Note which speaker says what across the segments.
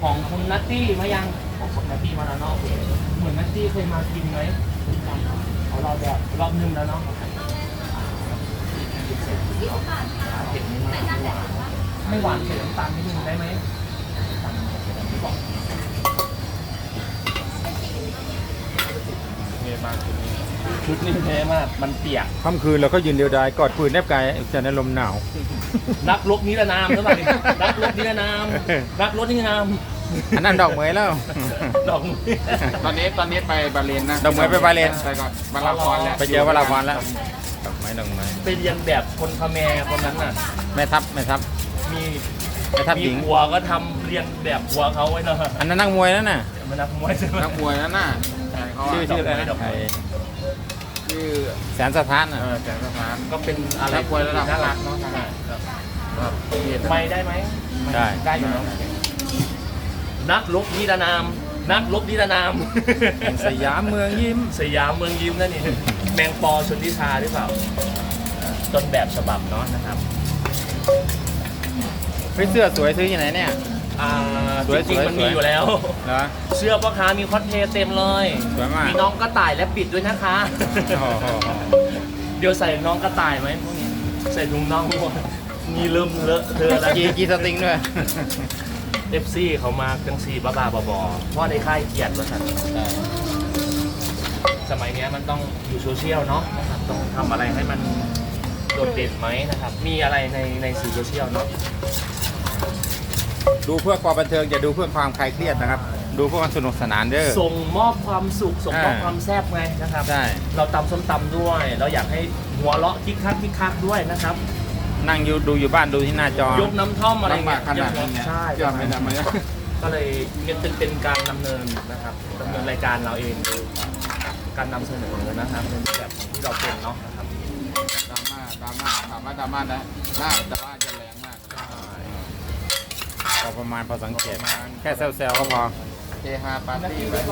Speaker 1: ของคุณนัตตี้มายังของคุณนัตตี้มาแล้วเนาะเหมือนนัตตี้เคยมากินไหมเขาเราแบบรอบนึงแล้วเนาะเผ็ดไม่หวานเผ็ดน้ำตาลนิดนึงได้ไหมเท่มากชุดนี้เท่มากมันเปียก
Speaker 2: ค่ำคืนเราก็ยืนเดียวดายกอดปืนแนบกายจะในลมหนาว
Speaker 1: รักรบนิรนามใช่ไหมรักรบนิรนามรักรถนิรนาม
Speaker 2: อันนั้นดอกเหมยแล้ว
Speaker 1: ดอก
Speaker 3: ตอนนี้ไปบาเลนนะ
Speaker 2: ดอกเหมยไปบาเลน
Speaker 3: ไปก่อนบาลาพรแล้ว
Speaker 2: ไปเจอวราพรแล้วดอกไม้ดอกไม้
Speaker 1: ไปเรียนแบบคนคาแมร์คนนั้นน่ะ
Speaker 2: แม่ทัพ
Speaker 1: มี
Speaker 2: แม่ทัพหญิง
Speaker 1: หัวก็ทำเรียนแบบหัวเขาไว้เนาะ
Speaker 2: อันนั้นนักมวยนั่นน่ะ
Speaker 1: มันนักมวยใช่ไหม
Speaker 3: นักมวยนั่นน่ะเขา
Speaker 2: ชื่ออะไรนะไอ้
Speaker 3: ชื่อ
Speaker 2: แสนสถานน่ะ
Speaker 3: แสงสถาน
Speaker 1: ก็เป็นอะไร
Speaker 3: นักมวยระดับ
Speaker 1: น่ารักเนาะ
Speaker 3: ไป
Speaker 1: ไปได้ไหม
Speaker 2: ได้
Speaker 1: ได้อยู่เนาะนักรบนิรนามนักรบนิรนาม
Speaker 2: แห่งสยามเมืองยิ้ม
Speaker 1: สยามเมืองยิ้มนั่นนี่แมงปอชนทิชาหรือเปล่าต้นแบบฉบับเนาะนะครับ
Speaker 2: เฮ้ยเสื้อสวยซื้อที่ไหนเนี่ย สวย
Speaker 1: จริงๆมันมีอยู่แล้ว
Speaker 2: เหรอ
Speaker 1: เสื้อพ่อค้ามีคอสเพลย์เต็มเลย
Speaker 2: สวยมาก
Speaker 1: มีน้องกระต่ายและปิดด้วยนะคะ
Speaker 2: โอ้โห
Speaker 1: เดี๋ยวใส่น้องกระต่ายไหมพวกนี้ใส่ถุงน่องหมดนี่เริ่มเลอะเทอะแล้ว
Speaker 2: กีสติงด้วย
Speaker 1: เอฟซีเขามาจังซีบ้าๆบอๆเพราะในค่ายเกียรติว่าสันสมัยเนี้ยมันต้องอยู่โซเชียลเนาะนะครับต้องทำอะไรให้มันโดดเด่นไหมนะครับ มีอะไรในสื่อโซเชียลเนาะ
Speaker 2: ดูเพื่อความบันเทิงอย่าดูเพื่อความคลายเครียดนะครับ ดูเพื่อความสนุกสนานเด้อ
Speaker 1: ส่งมอบความสุขส่งมอบความแซ่บไงนะครับ
Speaker 2: ใช่
Speaker 1: เราตำส้มตำด้วย เราอยากให้หัวเราะคิกคักด้วยนะครับ
Speaker 2: นั่งดูอยู่บ้านดูที่หน้าจอ
Speaker 1: ยกน้ำท่อมอะไร
Speaker 3: ลำบา
Speaker 1: เงี้
Speaker 3: ก
Speaker 1: ย
Speaker 3: ขนาดนี้เนี่ย
Speaker 1: ใช่
Speaker 3: ยอมไม่ทำไม
Speaker 1: ก็เลยเป็นการดำเนินนะครับดำเนินรายการเราเองการนำเสนอนะครับในแบบที่เราเป็นเนาะนะครับ
Speaker 3: ดราม่าถามว่าดราม่าได้แต่ว่าจะแรงมาก
Speaker 2: พอประมาณพอสังเกต แค่แซวๆก็พอ
Speaker 3: เฮฮาปาร์ตี้ไป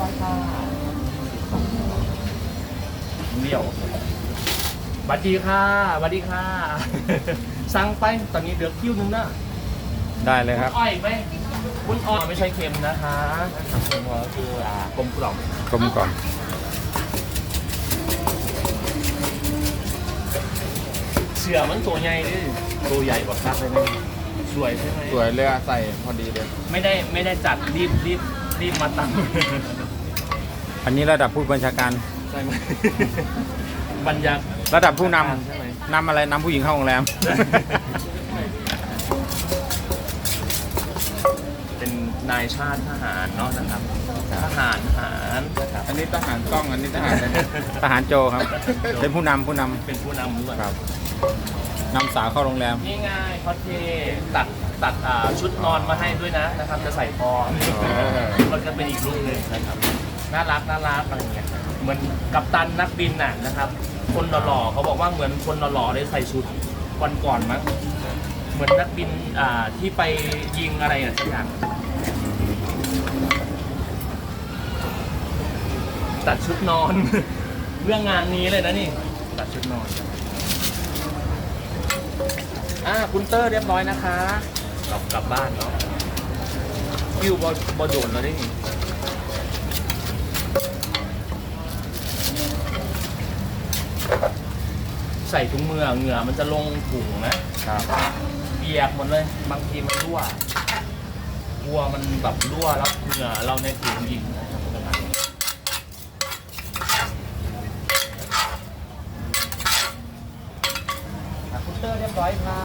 Speaker 1: เดี่ยวบัดดีค่ะบัดดีค่ะ สั่งไปตอนนี้เดือคิวนึงนะ
Speaker 2: ได้เลยครับ
Speaker 1: อ้อยไหมคุณอ้อยไม่ใช่เค็มนะคะนะครับเค็มก็คือกลมกล่อม
Speaker 2: กลมกล่อม
Speaker 1: เสือมันตัวใหญ่ดิตัวใหญ่กว่าคักเลยนะสวยใช่ไหม
Speaker 3: สวยเลยอะใส่พอดีเลย
Speaker 1: ไม่ได้จัดรีบมาตั้ง
Speaker 2: อันนี้ระดับผู้บัญชาการ
Speaker 1: ใช่ไหมบรรยาก
Speaker 2: ระดับผู้น
Speaker 1: ใช่ไหม
Speaker 2: ำนำอะไรนำผู้หญิงเข้าโรงแรม
Speaker 1: เป็นนายชาติทหารเนาะนะครับทหารนะครับ
Speaker 3: อันนี้ทหารกล้องอันนี้ทหารอะไร
Speaker 2: ทหารโจครับ เป็นผู้นำ
Speaker 1: เป็นผู้นำด้วย
Speaker 2: ครับนำสาวเข้าโรงแรม
Speaker 1: นี่ไงคอสเพลย์ตัดชุดนอนมาให้ด้วยนะครับจะใส่คอมันก็เป็นอีกรูปหนึ่งนะครับน่ารักอะไรเงี้ยเหมือนกัปตันนักบินน่ะนะครับ คนหล่อๆเขาบอกว่าเหมือนคนหล่อๆได้ใส่ชุดวันก่อนมั้งเหมือนนักบินที่ไปยิงอะไรสักอย่างตัดชุดนอน เรื่องงานนี้เลยนะนี่ตัดชุดนอนคุณเตอร์เรียบร้อยนะคะกลับบ้านเนาะคิวบอโดนแล้วได้นี่ใส่ถุงมือเหงื่อมันจะลงถุงนะครับเปียกหมดเลยบางทีมันรั่วกลัวมันแบบรั่วแล้วเหงื่อเราในถุงยิงนะครับคุณเตอร์เรียบร้อยค่ะ